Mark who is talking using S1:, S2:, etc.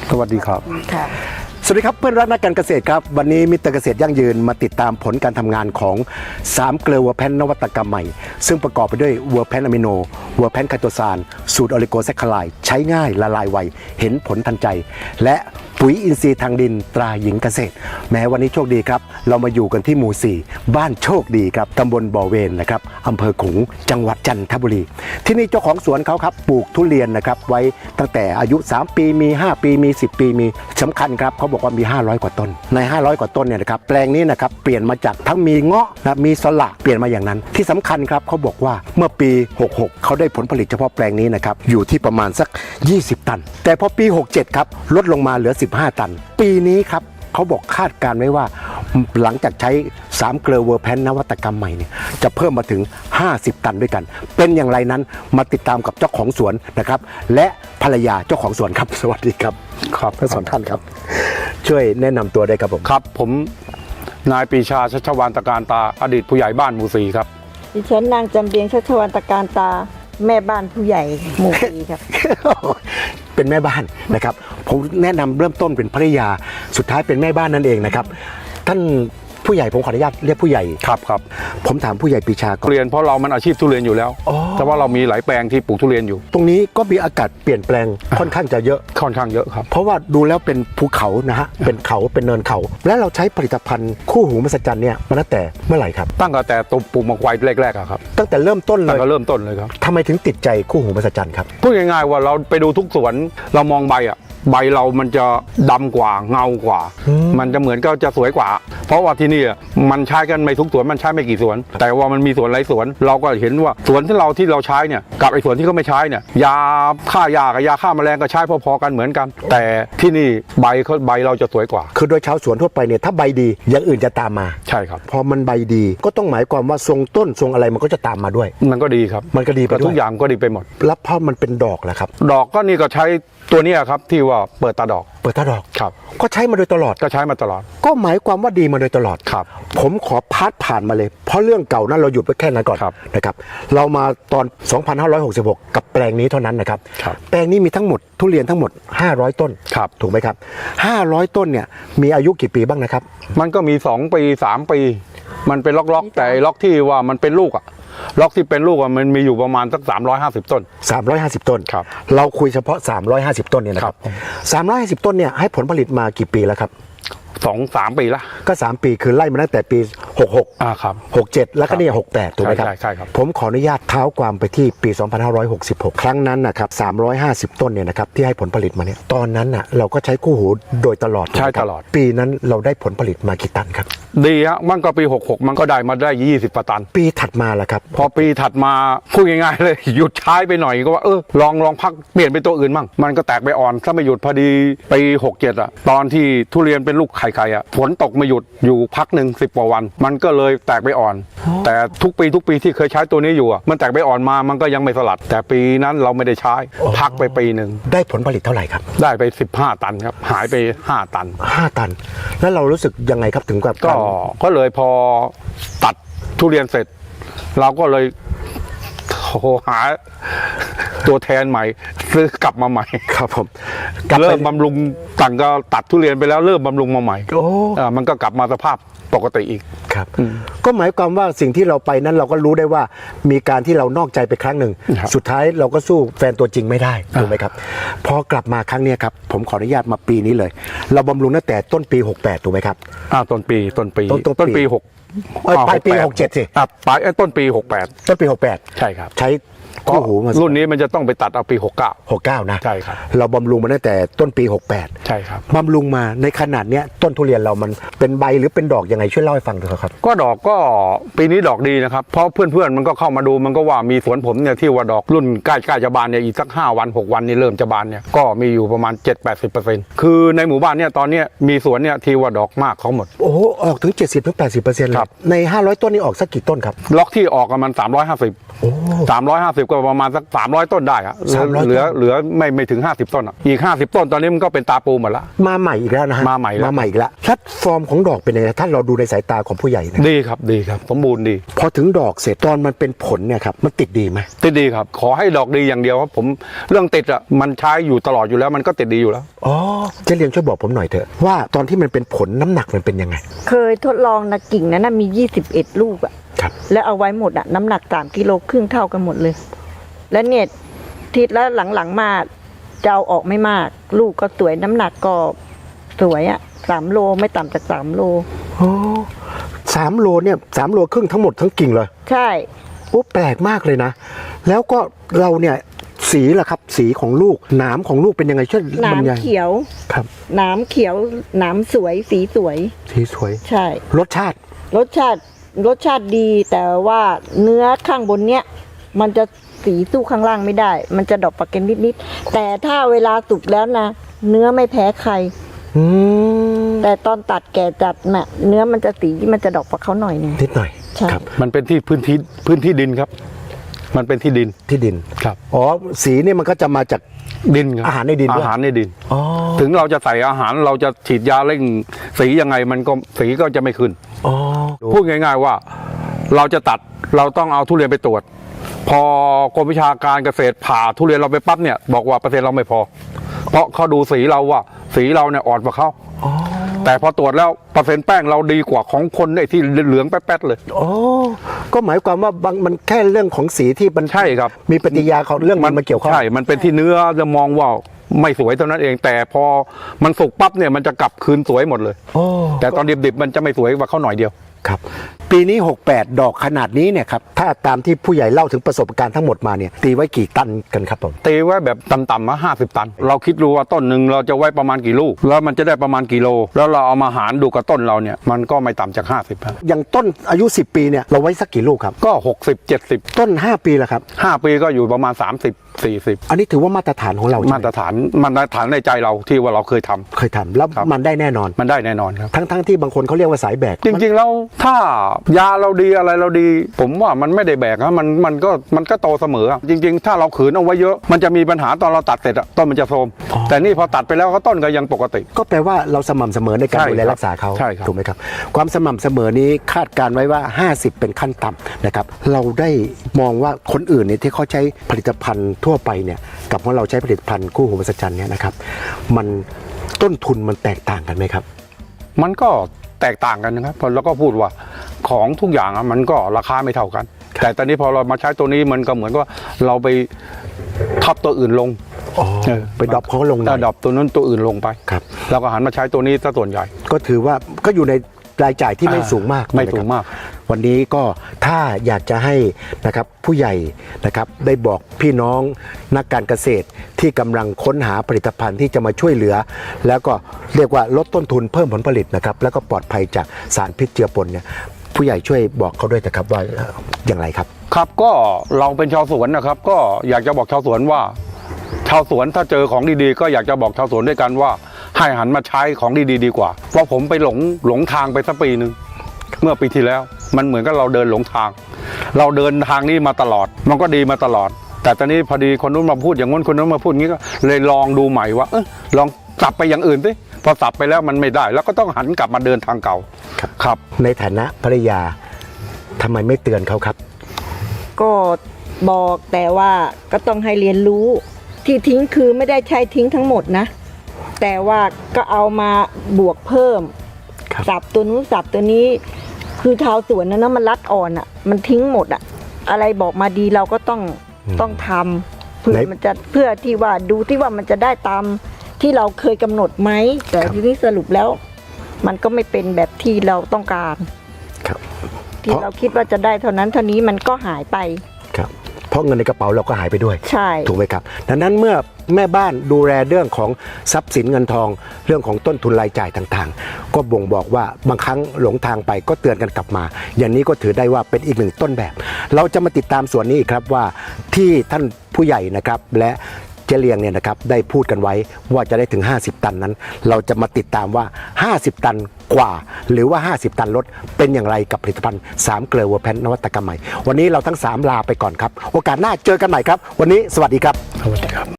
S1: สวัสดีครับ
S2: ค่ะ
S3: สวัสดีครับเพื่อนรักนักการเกษตรครับวันนี้มิสเตอร์เกษตรยั่งยืนมาติดตามผลการทำงานของ3เกลือวัวแพนนวัตกรรมใหม่ซึ่งประกอบไปด้วยวัวแพนอะมิโนวัวแพนไคโตซานสูตรออลิโกแซคคาไลด์ใช้ง่ายละลายไวเห็นผลทันใจและปุ๋ยอินทรีย์ทางดินตราหญิงเกษตรแม้วันนี้โชคดีครับเรามาอยู่กันที่หมู่4บ้านโชคดีครับตำบลบ่อเวนนะครับอำเภอขลุงจังหวัดจันทบุรีที่นี่เจ้าของสวนเขาครับปลูกทุเรียนนะครับไว้ตั้งแต่อายุ3ปีมี5ปีมี10ปีมีสำคัญครับเขาบอกว่ามี500กว่าต้นใน500กว่าต้นเนี่ยนะครับแปลงนี้นะครับเปลี่ยนมาจากทั้งมีเงาะนะมีสละเปลี่ยนมาอย่างนั้นที่สำคัญครับเขาบอกว่าเมื่อปี66เขาได้ผลผลิตเฉพาะแปลงนี้นะครับอยู่ที่ประมาณสัก20ตันแต่พอปี67ครับลดลงมาเหลือ15ตันปีนี้ครับเขาบอกคาดการไว้ว่าหลังจากใช้3เกลือเวอร์แพนนวัตกรรมใหม่เนี่ยจะเพิ่มมาถึง50ตันด้วยกันเป็นอย่างไรนั้นมาติดตามกับเจ้าของสวนนะครับและภรรยาเจ้าของสวนครับสวัสดีครับครับทั้งสองท่านครับช่วยแนะนำตัวได้ครับผม
S1: ครับผมนายปรีชาชัชวานตการตาอดีตผู้ใหญ่บ้านหมู่ 4ครับ
S2: ดิฉันนางจำเรียงชัชวานตการตาแม่บ้านผู้ใหญ่หมู่สี่ครับ
S3: เป็นแม่บ้านนะครับผมแนะนำเริ่มต้นเป็นภรรยาสุดท้ายเป็นแม่บ้านนั่นเองนะครับท่านผู้ใหญ่ผมขออนุญาตเรียกผู้ใหญ่
S1: ครับ
S3: ผมถามผู้ใหญ่ปรีชาก่อน
S1: ทุเรียนเพราะเรามันอาชีพทุเรียนอยู่แล้ว
S3: อ๋อ
S1: แต่ว่าเรามีหลายแปลงที่ปลูกทุเรียนอยู่
S3: ตรงนี้ก็มีอากาศเปลี่ยนแปลงค่อนข้างจะเยอะ
S1: ค่อนข้างเยอะครับ
S3: เพราะว่าดูแล้วเป็นภูเขานะฮะเป็นเขาเป็นเนินเขา และเราใช้ผลิตภัณฑ์คู่หูมหัศจรรย์เนี่ยมาตั้งแต่เมื่อไหร่ครับ
S1: ตั้งแต่ตัวปลูกมะไฟแรกๆอะครับ
S3: ตั้งแต่เริ่มต้นเล
S1: ตั้ง
S3: ย
S1: แต่เริ่มต้นเลยครับ
S3: ทำไมถึงติดใจคู่หูมหัศจรรย์ครับ
S1: พูดง่ายๆว่าเราไปดูทุกสวนเรามองใบอะใบเรามันจะดำกว่าเงากว่า มันจะเหมือนก็จะสวยกว่า เพราะว่าที่นี่มันใช้กันไม่ทุกสวนมันใช้ไม่กี่สวน แต่ว่ามันมีสวนหลายสวนเราก็เห็นว่าสวนที่เราใช้เนี่ยกับไอ้สวนที่เขาไม่ใช้เนี่ยยาฆ่ายากับยาฆ่าแมลงก็ใช้พอๆกันเหมือนกัน แต่ที่นี่ใบเราจะสวยกว่า
S3: คือโดยชาวสวนทั่วไปเนี่ยถ้าใบดีอย่างอื่นจะตามมา
S1: ใช่ครับ
S3: พอมันใบดีก็ต้องหมายความว่าทรงต้นทรงอะไรมันก็จะตามมาด้วย
S1: มันก็ดีครับ
S3: มันก็ดีไปด้วย
S1: ทุกอย่างก็ดีไปหมด
S3: แล้วพอมันเป็นดอกแหละครับ
S1: ดอกก็นี่ก็ใช้ตัวเนี้ยครับที่ว่าเปิดตาดอก
S3: เปิดตาดอก
S1: ครับ
S3: ก็ใช้มาโดยตลอด
S1: ก็ใช้มาตลอด
S3: ก็หมายความว่าดีมาโดยตลอด
S1: ครับ
S3: ผมขอพาดผ่านมาเลย เพราะเรื่องเก่านั้นเราหยุดไว้แค่นั้นก่อน
S1: ครับ
S3: นะครับเรามาตอน 2566 กับแปลงนี้เท่านั้นนะครับ
S1: ครับ
S3: แปลงนี้มีทั้งหมดทุเรียนทั้งหมด500ต้น
S1: ครับ
S3: ถูกไหมครับ500ต้นเนี่ยมีอายุกี่ปีบ้างนะครับ
S1: มันก็มี2ปี3ปี มันเป็นล็อกๆแต่ล็อกที่ว่ามันเป็นลูกอะล็อกที่เป็นลูกอะมันมีอยู่ประมาณสัก350ต้น
S3: 350 ต้น
S1: ครับ
S3: เราคุยเฉพาะ350ต้นเนี่ยนะครับ350ต้นเนี่ยให้ผลผลิตมากี่ปีแล้วครับ
S1: 2-3 ปีละ
S3: ก็3ปีคือไล่มาตั้งแต่ปี66
S1: ครับ
S3: 67 แล้วก็เนี่ย68 ถูกไหมครับ
S1: ใช่ครับ
S3: ผมขออนุญาตเท้าความไปที่ปี 2566 ครั้งนั้นนะครับ350 ต้นเนี่ยนะครับที่ให้ผลผลิตมาเนี่ยตอนนั้นน่ะเราก็ใช้คู่หูโดยตลอด
S1: ใช่
S3: ถูกไหมครับ
S1: ตลอด
S3: ปีนั้นเราได้ผลผลิตมากี่ตันครับ
S1: ดีฮะมันก็ปี66มันก็ได้มาได้20กว่าตัน
S3: ปีถัดมาล่ะครับ
S1: พอปีถัดมาพูดง่ายๆเลย หยุดใช้ไปหน่อยก็ว่าลองพักเปลี่ยนเป็นตัวอื่นมั่งมันก็แตกใบอ่อนถ้าไม่หยุดพอดีปี67อะตอนที่ทุเรียนเป็นลูกไข่อะฝนตกไม่หยุดอยู่พักหนึ่ง10กว่าวัน มันก็เลยแตกใบอ่อน แต่ทุกปีที่เคยใช้ตัวนี้อยู่อะมันแตกใบอ่อนมามันก็ยังไม่สลัด แต่ปีนั้นเราไม่ได้ใช้พักไปปีหนึ่ง
S3: ได้ผลผลิตเท่าไหร่ครับ
S1: ได้ไป15ตันครับหายไป5ตัน
S3: 5 ตัน แล้วเรารู้สึกยังไงครับถึงกับ
S1: ก็เลยพอตัดทุเรียนเสร็จ เราก็เลยโทรหาตัวแทนใหม่ซื้อกลับมาใหม่
S3: ครับผมกลับไป
S1: เริ่มบำรุงต่างก็ตัดทุเรียนไปแล้วเริ่มบำรุงมาใหม่
S3: โอ้
S1: มันก็กลับมาสภาพปกติอีก
S3: ครับก็หมายความว่าสิ่งที่เราไปนั้นเราก็รู้ได้ว่ามีการที่เรานอกใจไปครั้งหนึ่ง
S1: ครับ
S3: สุดท้ายเราก็สู้แฟนตัวจริงไม่ได้ถูกไหมครับพอกลับมาครั้งเนี้ยครับผมขออนุญาตมาปีนี้เลย เราบำรุงตั้งแต่ต้นปี 68ถูกไหมครับ
S1: ต้นปี
S3: ต้นปี
S1: 6
S3: ปลายปี67สิ
S1: ปลายต้นปี68
S3: ต้นปี
S1: ใช่ครับ
S3: 68 ใช้คู่หูมา
S1: รุ่นนี้มันจะต้องไปตัดเอาปี69
S3: 69นะ
S1: ใช่ครับ
S3: เราบำรุงมาตั้งแต่ต้นปี 68
S1: ใช่ครับ
S3: บำรุงมาในขนาดเนี้ยต้นทุเรียนเรามันเป็นใบหรือเป็นดอกยังไงช่วยเล่าให้ฟังหน่อยครับ
S1: ก็ดอกก็ปีนี้ดอกดีนะครับเพราะเพื่อนๆมันก็เข้ามาดูมันก็ว่ามีสวนผมเนี่ยที่ว่าดอกรุ่นใกล้จะบานเนี่ยอีกสัก5 วัน 6 วันนี่เริ่มจะบานเนี่ยก็มีอยู่ประมาณ 7-80%คือในหมู่บ้านเนี่ยตอนเนี้ยมีสวนเนี่ยที่ว่าดอกมากเขาหมด
S3: โอ้โหออกถึง 70-80%เลย
S1: ครับ
S3: ใน500ต้นนี้ออกสักกี่ต้นครับ
S1: ล็อกที่ออกกันมัน350 ก็ประมาณสัก300 ต้นได้อะ
S3: 300
S1: เหลือไม่ถึง50 ต้นอะอีก50 ต้นตอนนี้มันก็เป็นตาปูหมดละ
S3: มาใหม่อีกแล้วนะฮะ
S1: มาใหม่แล้ว
S3: อีกแล้วพลัดฟอร์มของดอกเป็นยังไงถ้าเราดูในสายตาของผู้ใหญ่นะ
S1: ดีครับดีครับสมบูรณ์ดี
S3: พอถึงดอกเสร็จตอนมันเป็นผลเนี่ยครับมันติดดีไหม
S1: ติดดีครับขอให้ดอกดีอย่างเดียวครับผมเรื่องติดอะมันใช้อยู่ตลอดอยู่แล้วมันก็ติดดีอยู่แล้ว
S3: อ๋อเจเลียงช่วยบอกผมหน่อยเถอะว่าตอนที่มันเป็นผลน้ำหนักมันเป็นยังไง
S2: เคยทดลองนะกิ่งนั้นนะมี 21 ลูกอะ
S3: ครับ
S2: แล้วเอาไว้หมดอะน้ำหนัก3 กิโลครึ่งเท่ากันหมดเลย แล้วเนี่ยทิศแล้วหลังๆมาจะเอาออกไม่มาก ลูกก็สวยน้ำหนักก็สวยอะ3 โลไม่ต่ำจาก3 โล
S3: โอ้3 โลเนี่ย3 โลครึ่งทั้งหมดทั้งกิ่งเลย
S2: ใช่
S3: โอ้แปลกมากเลยนะ แล้วก็เราเนี่ยสีล่ะครับสีของลูกหนามของลูกเป็นยังไงช่วย
S2: หนา
S3: บร
S2: ม
S3: รยาย
S2: เขียว
S3: ครับ
S2: หนามเขียวหนามสวยสีสวย
S3: สีสวย
S2: ใช่
S3: รสชาติ
S2: รสชาติดีแต่ว่าเนื้อข้างบนเนี้ยมันจะสีสู้ข้างล่างไม่ได้ มันจะดอกปากเกนนิดๆแต่ถ้าเวลาสุกแล้วนะเนื้อไม่แพ้ใคร
S3: อืม
S2: แต่ตอนตัดแก่จัดน่ะเนื้อมันจะสีมันจะดอกกว่าเขาหน่อยหนึง
S3: นิดหน่อย
S2: ใช่
S3: ครับ
S1: มันเป็นที่พื้นที่ดินครับ มันเป็นที่ดิน
S3: ที่ดิน
S1: ครับ
S3: อ๋อสีเนี่ยมันก็จะมาจาก
S1: ดินครับ
S3: อาหารในดินด้วย
S1: อาหารในดิน
S3: อ๋อ
S1: ถึงเราจะใส่อาหารเราจะฉีดยาเร่งสียังไงมันก็สีก็จะไม่ขึ้น
S3: อ๋อ
S1: พูดง่ายๆว่าเราจะตัดเราต้องเอาทุเรียนไปตรวจ พอกรมวิชาการเกษตรผ่าทุเรียนเราไปปั๊บเนี่ยบอกว่าเปอร์เซ็นต์เราไม่พอ เพราะเขาดูสีเราว่าสีเราเนี่ยอ่อนกว่าเขา
S3: อ๋อ
S1: แต่พอตรวจแล้วเปอร์เซ็นต์แป้งเราดีกว่าของคนไอ้ที่เหลืองแป๊ดๆเลย
S3: อ๋อก็หมายความว่าบางมันแค่เรื่องของสีที่มัน
S1: ใช่ครับ
S3: มีปฏิกิริยาของเรื่องมันเกี่ยวข้อง
S1: ใช่ มันเป็นที่เนื้อจะมองว่าไม่สวยเท่านั้นเอง แต่พอมันสุกปั๊บเนี่ยมันจะกลับคืนสวยหมดเลย
S3: โอ้
S1: แต่ตอนดิบๆมันจะไม่สวยกว่าเขาหน่อยเดียว
S3: ครับ ปีนี้ 68 ดอกขนาดนี้เนี่ยครับถ้าตามที่ผู้ใหญ่เล่าถึงประสบการณ์ทั้งหมดมาเนี่ยตีไว้กี่ตันกันครับผม
S1: ตีไว้แบบต่ำๆมา50 ตัน เราคิดดูว่าต้นหนึ่งเราจะไว้ประมาณกี่ลูก แล้วมันจะได้ประมาณกี่โล แล้วเราเอามาหารดูกับต้นเราเนี่ยมันก็ไม่ต่ำจาก50ครับ
S3: อย่างต้นอายุ 10 ปีเนี่ยเราไว้สักกี่ลูกครับ
S1: ก็60-70
S3: ต้น 5 ปีละครับ
S1: 5 ปีก็อยู่ประมาณ30-40
S3: อันนี้ถือว่ามาตรฐานของเราใช่ไห
S1: มาตรฐานในใจเราที่ว่าเราเคยทำ
S3: เคยทำแล้ว
S1: ครับ
S3: มันได้แน่นอน
S1: มันได้แน่นอนครับ
S3: ทั้งที่บางคนเขาเรียกว่าสายแบก
S1: จริงๆแล้วถ้ายาเราดีอะไรเราดี ผมว่ามันไม่ได้แบกนะมันก็โตเสมออะจริงๆ ถ้าเราขืนเอาไว้เยอะ มันจะมีปัญหาตอนเราตัดเสร็จอะต้นมันจะโทรมแต่นี่พอตัดไปแล้วก็ต้นก็ยังปกติ
S3: ก็แปลว่าเราสม่ำเสมอในการ
S1: ใช่
S3: ดูแล
S1: ครับ
S3: รักษาเขา
S1: ใช่ครับ
S3: ถูกไหมครับ ความสม่ำเสมอนี้คาดการไว้ว่า 50 เป็นขั้นต่ำนะครับเราได้มองว่าคนอื่นเนี่ยที่เขาใช้ผลิตภัณฑ์ทั่วไปเนี่ยกับของเราใช้ผลิตภัณฑ์คู่หูมหัศจรรย์เนี่ยนะครับมันต้นทุนมันแตกต่างกันไหมครับ
S1: มันก็แตกต่างกันนะครับแล้วก็พูดว่าของทุกอย่างอะมันก็ราคาไม่เท่ากัน แต่ตอนนี้พอเรามาใช้ตัวนี้มันก็เหมือนกับเราไปทับตัวอื่นลง
S3: ไปดรอปเขาลงหน่อย
S1: ดรอปตัวนั้นตัวอื่นลงไป
S3: ครับ
S1: แล้วก็หันมาใช้ตัวนี้ซะส่วนใหญ่
S3: ก็ถือว่าก็อยู่ในรายจ่ายที่ไม่สูงมาก
S1: ไม่
S3: นะครับ
S1: สูงมาก
S3: วันนี้ก็ถ้าอยากจะให้นะครับผู้ใหญ่นะครับได้บอกพี่น้องนักการเกษตรที่กำลังค้นหาผลิตภัณฑ์ที่จะมาช่วยเหลือ แล้วก็เรียกว่าลดต้นทุนเพิ่มผลผลิตนะครับแล้วก็ปลอดภัยจากสารพิษเจือปนเนี่ยผู้ใหญ่ช่วยบอกเขาด้วยนะครับว่าอย่างไรครับ
S1: ครับก็เราเป็นชาวสวนนะครับ ก็อยากจะบอกชาวสวนว่า ชาวสวนถ้าเจอของดีๆก็อยากจะบอกชาวสวนด้วยกันว่าให้หันมาใช้ของดีๆดีกว่าเพราะผมไปหลงทางไปสักปีหนึ่งเมื่อปีที่แล้ว มันเหมือนกับเราเดินหลงทาง เราเดินทางนี้มาตลอด มันก็ดีมาตลอด แต่ตอนนี้พอดีคนนู้นมาพูดอย่างนู้นคนนู้นมาพูดอย่างนี้ก็เลยลองดูใหม่ว่าลองกลับไปอย่างอื่นสิพอสับไปแล้วมันไม่ได้ แล้วก็ต้องหันกลับมาเดินทางเก่าครับ
S3: ในฐานะภรรยาทำไมไม่เตือนเขาครับ
S2: ก็บอกแต่ว่าก็ต้องให้เรียนรู้ที่ทิ้งคือไม่ได้ใช้ทิ้งทั้งหมดนะ แต่ว่าก็เอามาบวกเพิ่ม
S3: ครับ
S2: สับตัวนู้นสับตัวนี้ คือชาวสวนนะมันรัดอ่อนอ่ะ มันทิ้งหมดอ่ะ อะไรบอกมาดีเราก็ต้องทำเพื่อมันจะเพื่อที่ว่าดูที่ว่ามันจะได้ตามที่เราเคยกำหนดไหมแต่ทีนี้สรุปแล้ว มันก็ไม่เป็นแบบที่เราต้องการ
S3: ครับ
S2: ที่เราคิดว่าจะได้เท่านั้นเท่านี้มันก็หายไป
S3: ครับเพราะเงินในกระเป๋าเราก็หายไปด้วย
S2: ใช่
S3: ถูกไหมครับดังนั้นเมื่อแม่บ้านดูแลเรื่องของทรัพย์สินเงินทอง เรื่องของต้นทุนรายจ่ายต่างๆ ก็บ่งบอกว่าบางครั้งหลงทางไปก็เตือนกันกลับมา อย่างนี้ก็ถือได้ว่าเป็นอีกหนึ่งต้นแบบ เราจะมาติดตามส่วนนี้อีกครับว่าที่ท่านผู้ใหญ่นะครับและเจเลียงเนี่ยนะครับได้พูดกันไว้ว่าจะได้ถึง50 ตันนั้น เราจะมาติดตามว่า50 ตันกว่าหรือว่า 50 ตันลดเป็นอย่างไรกับผลิตภัณฑ์3เกลือเวอร์แพนนวัตกรรมใหม่วันนี้เราทั้ง3ลาไปก่อนครับโอกาสหน้าเจอกันใหม่ครับวันนี้สวัสดีครับ
S1: สวัสดีครับ